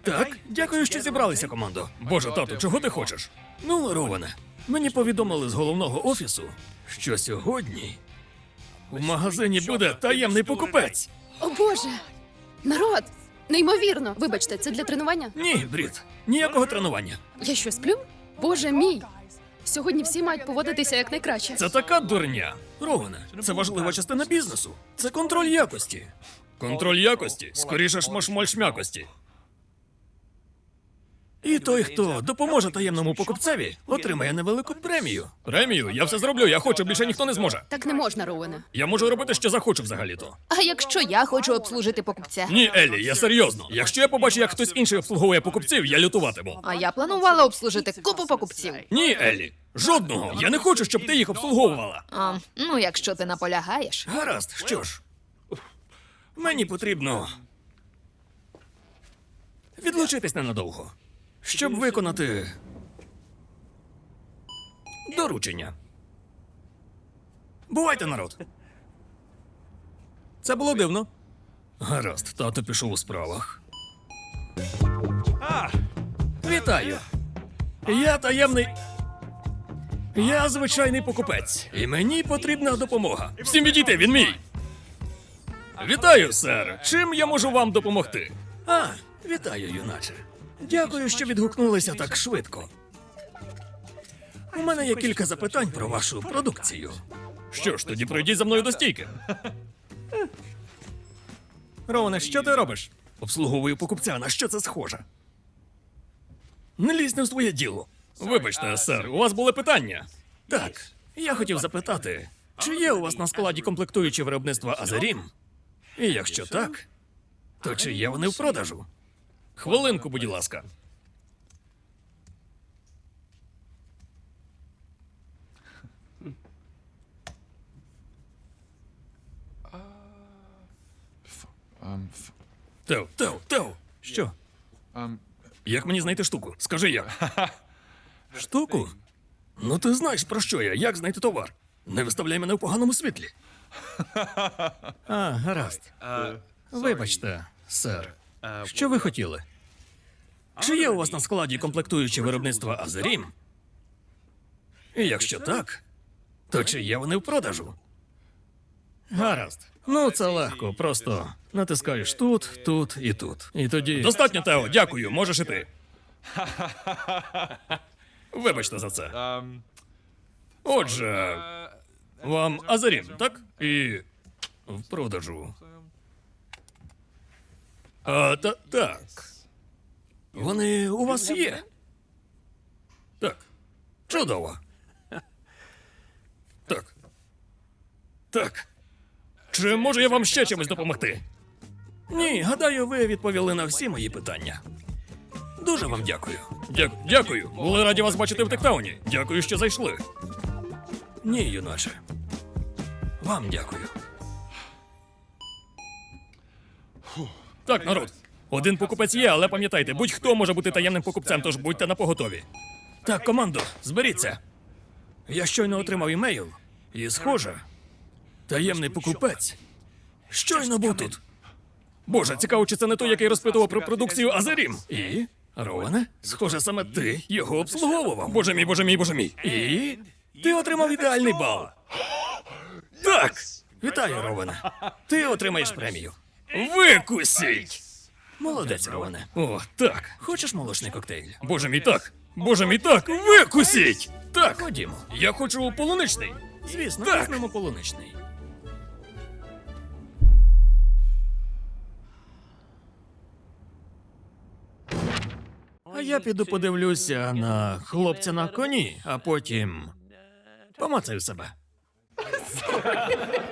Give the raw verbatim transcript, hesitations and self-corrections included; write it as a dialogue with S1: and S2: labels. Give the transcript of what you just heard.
S1: Так, дякую, що зібралися, командо. Боже, тату, чого ти хочеш? Ну, Роване, мені повідомили з головного офісу, що сьогодні в магазині буде таємний покупець.
S2: О боже! Народ! Неймовірно! Вибачте, це для тренування?
S1: Ні, Брід, ніякого тренування.
S2: Я що, сплю? Боже мій! Сьогодні всі мають поводитися як найкраще.
S1: Це така дурня. Роване, це важлива частина бізнесу. Це контроль якості. Контроль якості? Скоріше шмошмоль м'якості. І той, хто допоможе таємному покупцеві, отримає невелику премію. Премію? Я все зроблю, я хочу, більше ніхто не зможе.
S2: Так не можна, Роуене.
S1: Я можу робити, що захочу взагалі-то.
S3: А якщо я хочу обслужити покупця?
S1: Ні, Еллі, я серйозно. Якщо я побачу, як хтось інший обслуговує покупців, я лютуватиму.
S3: А я планувала обслужити купу покупців.
S1: Ні, Еллі, жодного. Я не хочу, щоб ти їх обслуговувала.
S3: А, ну, якщо ти наполягаєш.
S1: Гаразд, що ж. Мені потрібно відлучитись ненадовго, щоб виконати доручення. Бувайте, народ. Це було дивно. Гаразд, тато пішов у справах. Вітаю. Я таємний. Я звичайний покупець. І мені потрібна допомога. Всім відійти, він мій. Вітаю, сер. Чим я можу вам допомогти? А, вітаю, юначе. Дякую, що відгукнулися так швидко. У мене є кілька запитань про вашу продукцію. Що ж, тоді пройдіть за мною до стійки. Роване, що ти робиш? Обслуговую покупця, на що це схоже? Не лізь не в своє діло. Вибачте, сер, у вас були питання? Так, я хотів запитати, чи є у вас на складі комплектуючі виробництва Азерім? І якщо так, то чи є вони в продажу? Хвилинку, будь ласка.
S4: Um, f-
S1: Тео, Тео, Тео! Що?
S4: um,
S1: Як мені знайти штуку? Скажи як. Штуку? Ну ти знаєш, про що я, як знайти товар. Не виставляй мене в поганому світлі. А, гаразд. Вибачте, сер. Що ви хотіли? Чи є у вас на складі комплектуючі виробництва Азерім? І якщо так, то чи є вони в продажу? Гаразд. Ну, це легко, просто натискаєш тут, тут і тут. І тоді. Достатньо, Тео, дякую, можеш іти. Вибачте за це.
S4: um,
S1: Отже, вам Азерім, так? І в продажу. А, та, так. Вони у вас є? Так. Чудово. Так. Так. Чи можу я вам ще чимось допомогти? Ні, гадаю, ви відповіли на всі мої питання. Дуже вам дякую. Дя- дякую. Були раді вас бачити в Тектауні. Дякую, що зайшли. Ні, юначе. Вам дякую. Так, народ. Один покупець є, але пам'ятайте, будь-хто може бути таємним покупцем, тож будьте напоготові. Так, командо, зберіться. Я щойно отримав імейл, і, схоже, таємний покупець щойно був тут. Боже, цікаво, чи це не той, який розпитував про продукцію Азерім. І? Роване? Схоже, саме ти його обслуговував. Боже мій, боже мій, боже мій. І? Ти отримав ідеальний бал. Так! Вітаю, Роване. Ти отримаєш премію. Викусіть! Молодець, Роване. О, так. Хочеш молочний коктейль? Боже мій, так. Боже мій, так. Викусіть! Так. Ходімо. Я хочу полуничний. Звісно, так. Візьмемо полуничний. А я піду подивлюся на хлопця на коні, а потім помацаю себе.